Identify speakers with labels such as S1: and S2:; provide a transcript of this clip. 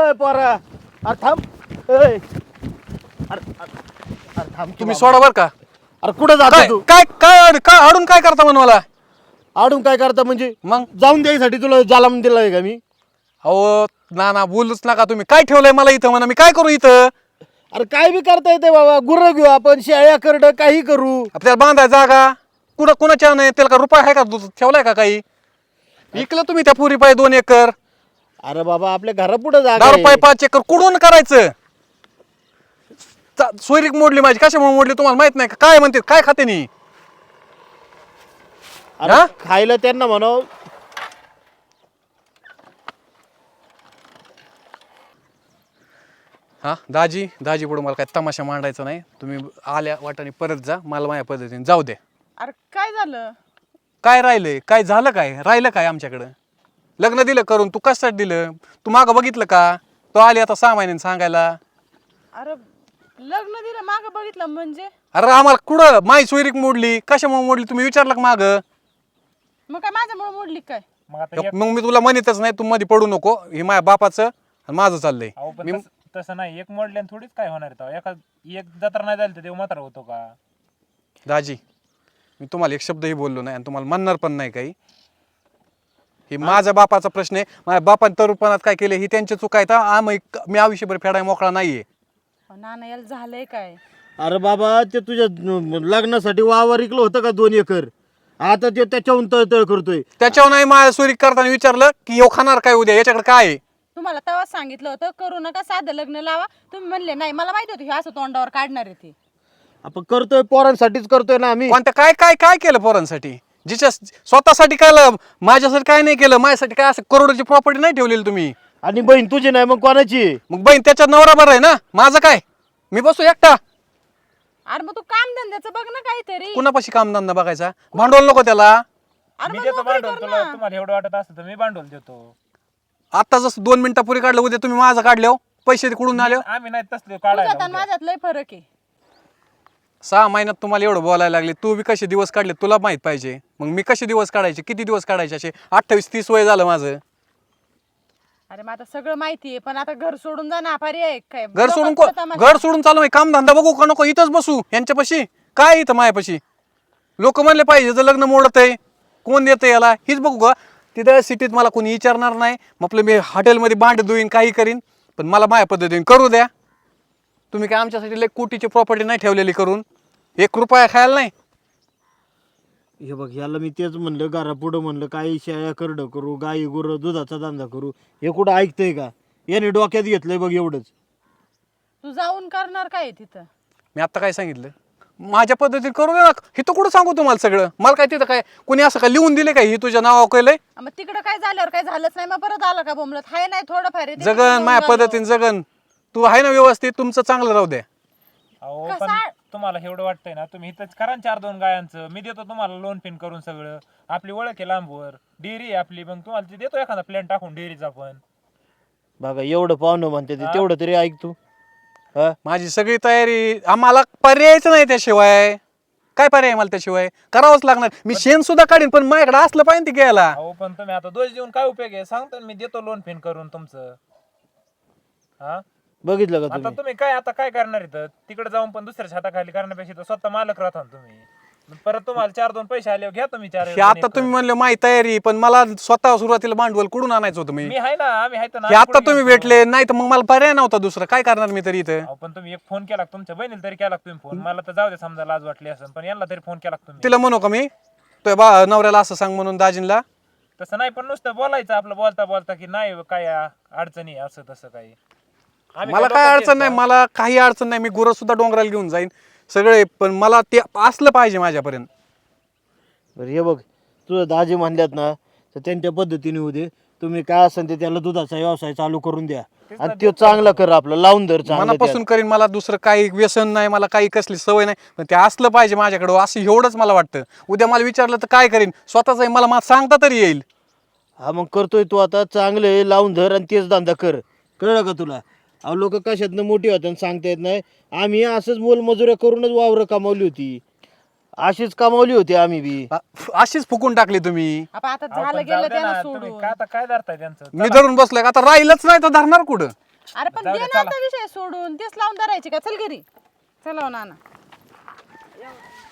S1: अय पोरा अरे थांब अय अरे थांब
S2: तुम्ही सोडा बर का.
S1: अरे कुठं
S2: काय
S1: जातो तू
S2: काय काय काय हाडून काय करता म्हण मला.
S1: आडून काय करता म्हणजे
S2: मग
S1: जाऊन द्यायसाठी तुला जालाम दिलाय का मी
S2: अहो ना बोलूच नका तुम्ही. काय ठेवलंय मला इथं म्हणा. मी काय करू इथं.
S1: अरे काय बी करता येते बाबा गुरं घेऊ आपण शेळ्या करड काही करू
S2: आपल्याला बांधाय जागा कुठं कुणाच्या नाही. त्याला का रुपये आहे का ठेवलाय का काही. इकलं तुम्ही त्या पुरी पाय 2 एकर.
S1: अरे बाबा आपल्या घरापुढे जागा
S2: 10
S1: आहे.
S2: रुपये 5 एकर कुठून करायचं. सोयरीक मोडली माझी. कशामुळे मोडली तुम्हाला माहित नाही का. काय म्हणते काय खाते नी.
S1: अरे
S2: हा?
S1: खायला त्यांना म्हणाव
S2: हा दाजी पुढे मला काय तमाशा मांडायचा नाही. तुम्ही आल्या वाटाने परत जा. मला माझ्या पद्धतीने जाऊ दे.
S3: अरे काय झालं?
S2: काय राहिलंय काय झालं काय राहिलं काय आमच्याकडं. लग्न दिलं करून तू कशासाठी दिलं. तू मागं बघितलं का. तो आली आता 6 महिन्यांनी सांगायला.
S3: अरे लग्न दिलं मागं बघितलं म्हणजे
S2: अरे आम्हाला कुठं माई सोयरीक मोडली. कशामुळे मोडली तुम्ही विचारलं का मागं.
S3: मग काय माझ्यामुळे मोडली काय?
S4: मग आता
S2: मग मी तुला म्हणतच नाही. तू मध्ये पडू नको. हे माझ्या बापाचं आणि माझं चाललंय.
S4: अहो पण
S2: मी
S4: तसं नाही. एक मोडल्याने थोडीच काय होणार आहे तेव्हा. एक जत्रा नाही झाली तर देव मात्र होतो का.
S2: दाजी मी तुम्हाला एक शब्दही बोललो नाही आणि तुम्हाला म्हणणार पण नाही काही. हे माझ्या बापाचा प्रश्न आहे. माझ्या बापाने तरुपणात काय केले ही त्यांची चूक आहे. तर मी आयुष्यभर फेडाय मोकळा नाहीये.
S3: नाना याला झालंय काय?
S1: अरे बाबा ते तुझ्या लग्नासाठी वावर इकलं होतं का 2 एकर आता ते त्याच्याहून तळतळ करतोय
S2: त्याच्यावर नाही माझ्या सोयरीक करताना विचारलं की येऊ खाणार काय उद्या याच्याकडे काय आहे.
S3: तुम्हाला तेव्हाच सांगितलं होतं करू नका साधं लग्न लावा. तुम्ही म्हणले नाही. मला माहिती होतं हे असं तोंडावर काढणार आहे ते.
S1: आपण करतोय पोरांसाठीच करतोय ना आम्ही
S2: कोणत्या काय काय काय केलं पोरांसाठी. जिच्या स्वतःसाठी काय माझ्यासाठी काय नाही केलं. माझ्यासाठी काय असं करोडची प्रॉपर्टी नाही ठेवलेली तुम्ही.
S1: आणि बहीण तुझी नाही मग कोणाची आहे?
S2: मग बहीण त्याच्यात नवरा बरं आहे ना. माझं काय मी बसू एकटा.
S3: अरे मग तू काम धंद्याचं बघ ना काहीतरी.
S2: कुणापाशी कामधंदा बघायचा. भांडवल नको त्याला.
S3: अरे
S4: मी
S3: मग
S4: देतो
S3: नोकरी
S4: भांडवल
S3: कर
S4: तुला.
S3: ना.
S4: तुम्हाला एवढं वाटत असतं तर मी भांडवल देतो.
S2: आता जसं 2 मिनिटापूर्वी काढलं उद्या तुम्ही माझं काढले पैसे कुठून आले.
S4: आम्ही नाही तसले
S3: तुझ्यात आणि
S4: काढायला.
S3: माझ्यात लय फरक आहे.
S2: 6 महिन्यात तुम्हाला एवढं बोलायला लागले. तू बी कसे दिवस काढले तुला माहित पाहिजे. मग मी कसे दिवस काढायचे किती दिवस काढायचे असे 28-30 वय झालं माझं.
S3: अरे मग आता सगळं माहिती आहे पण आता घर सोडून जा ना. पर्याय काय?
S2: घर सोडून
S3: लोकं करता माझ्या.
S2: घर सोडून चालू आहे. काम धंदा बघू का नको इथंच बसू यांच्यापाशी. काय इथं मायापाशी लोक म्हणले पाहिजे जर लग्न मोडत आहे कोण देतं याला हीच बघू का. तिथं सिटीत मला कोणी विचारणार नाही. मग आपलं मी हॉटेलमध्ये भांड धुईन काही करीन. पण मला माझ्या पद्धतीने करू द्या. तुम्ही काय आमच्यासाठी लय कोटीची प्रॉपर्टी नाही ठेवलेली करून 1 रुपया खायला नाही.
S1: हे बघ याला मी तेच म्हणलं घरापुढं म्हणलं काही शेळ्या करड करू गाई गुरं दुधाचा धंदा करू हे कुठं ऐकतंय का. याने डोक्यात घेतलंय बघ एवढंच.
S3: तू जाऊन करणार काय तिथं?
S2: मी आता काय सांगितलं माझ्या पद्धतीने करू दे ना. हे तर कुठं सांगू तुम्हाला सगळं. मला काय तिथं काय कोणी असं काय लिहून दिले काय ही तुझ्या नावावर केलंय.
S3: मग तिकडं काय झाल्यावर काय झालंच नाही मग परत आला का बोमलत. हाय नाही थोडंफार आहे ते
S2: जगन
S3: घेऊन
S2: माझ्या
S3: आलो.
S2: पद्धतीने जगन. तू आहे ना व्यवस्थित तुमचं चांगलं राहू द्या.
S4: अहो
S3: कसा-
S4: पण तुम्हाला एवढं वाटतंय ना तुम्ही इथंच करा 4-2 गायांचं. मी देतो तुम्हाला लोन पिन करून सगळं. आपली ओळख आहे लांबवर. डेअरी आहे आपली. मग तुम्हाला ते देतो एखादा प्लॅन टाकून डेअरीचा पण.
S1: बघा एवढं पाहुणं म्हणते ते तेवढं तरी ऐक तू. हा
S2: माझी सगळी तयारी. आम्हाला पर्यायच नाही त्याशिवाय. काय पर्याय मला त्याशिवाय करावंच लागणार. मी शेण सुद्धा काढीन पण माझ्याकडे असलं पाहिजे ते घ्यायला.
S4: अहो पण तुम्ही आता दोष देऊन काय उपयोग आहे. सांगतो ना मी देतो लोन पिन करून तुमचं. हा
S1: बघितलं का
S4: आता
S1: तुम्ही
S4: तुम्ही काय आता काय करणार इथं. तिकडे जाऊन पण दुसऱ्याच्या हाताखाली करण्यापेक्षा इथं स्वतः मालक राहता ना तुम्ही. मग परत तुम्हाला 4-2 पैसे आले घ्या तुम्ही 4
S2: हे आता तुम्ही म्हणले माझी तयारी पण मला स्वतः सुरुवातीला भांडवल कुठून आणायचं होतं मी.
S4: मी आहे ना. आम्ही आहे ना.
S2: हे आता तुम्ही भेटले नाही तर मग मला पर्याय नव्हता दुसरा. काय करणार मी तरी इथं.
S4: अहो पण तुम्ही एक फोन केला का तुमच्या बहिणीला तरी केला का तुम्ही फोन. मला तर जाऊ दे समजा लाज वाटली असं पण यांना तरी फोन केला का तुम्ही.
S2: तिला म्हणू का मी तुझ्या नवऱ्याला असं सांग म्हणून दाजींला.
S4: तसं नाही पण नुसतं बोलायचं आपलं बोलता बोलता की नाही काय अडचणी असं तसं काही. आम्ही
S2: मला काय
S4: लोकांचे
S2: अडचण नाही.
S4: आहेत
S2: मला काही अडचण नाही. मी गुरं सुद्धा डोंगराला घेऊन जाईन सगळे. पण मला ते असलं पाहिजे माझ्यापर्यंत.
S1: बरं हे बघ तुझं दाजी म्हणल्यात ना तर त्यांच्या पद्धतीने होऊ दे. तुम्ही काय असेल ते त्याला दुधाचा व्यवसाय चालू करून द्या आणि तो चांगला कर आपला लावून धर चांगलं
S2: मनापासून करीन. मला दुसरं काही व्यसन नाही. मला काही कसली सवय नाही. पण ते असलं पाहिजे माझ्याकडं असं एवढंच मला वाटतं. उद्या मला विचारलं तर काय करीन स्वतःच मला सांगता तरी येईल.
S1: हा मग करतोय तू आता चांगलं आहे लावून धर आणि तेच धंदा कर. कळलं का तुला. अहो लोक कशातनं मोठी होतात सांगता येत नाही. आम्ही असंच मोलमजुऱ्या करूनच वावरं कमावली होती. अशीच कमावली होती आम्ही बी.
S2: अशीच फुकून टाकली तुम्ही.
S3: आता
S4: अहो,
S3: झालं
S4: पण जाऊ
S3: गेलं
S4: दे ना,
S3: त्यानं
S4: तुम्ही
S3: सोडून.
S4: काय आता काय धरताय त्यांचं.
S2: मी धरून बसलोय आता राहिलंच नाही तर धरणार कुठं.
S3: अरे पण
S4: जाऊ
S3: दे
S4: दे,
S3: ना
S4: चला.
S3: आता विषय सोडून तेच लावून धरायचे का चल घरी चला हो नाना